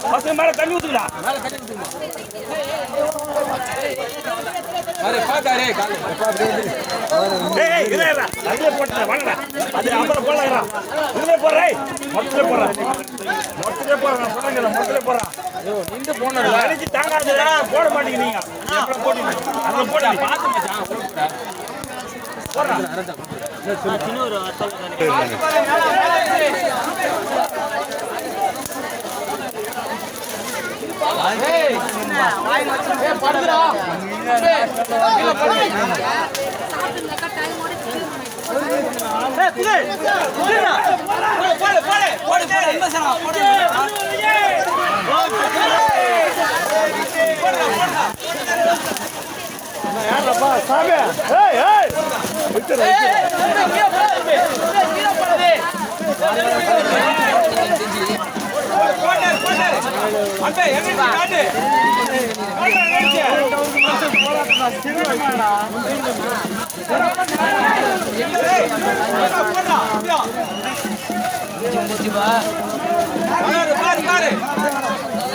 பசங்க மேல தண்ணி ஊத்துடா. அரே பாக்காரே கால். டேய் இதேடா. அதுல போடா வாடா. அது அப்புறம் போடலாம்டா. இதுல போறே. மொத்தல போறா. மொத்தல போறா நான் சொல்றேன் மொத்தல போறா. ஐயோ நின்னு போனடா. அடிச்சு தாங்காதடா போட மாட்டீங்க நீங்க. எப்பற போடுங்க. அத போடா பாத்து மச்சான் போடா. போடா அரடா. இன்னொரு அத்தல் ஏய் வாய் வச்சு ஏய் படுடா. கீழ படு. சாப்பிடுங்கக்கா டைம் ஓடி ஏய் புகை புகைடா போடு போடு போடு போடு இந்த சரா போடு யாரப்பா சாமி ஏய் ஏய் விட்டுற கீழ போடு கீழ போடு போடு போடு அம்பே எங்க காட்டு போடா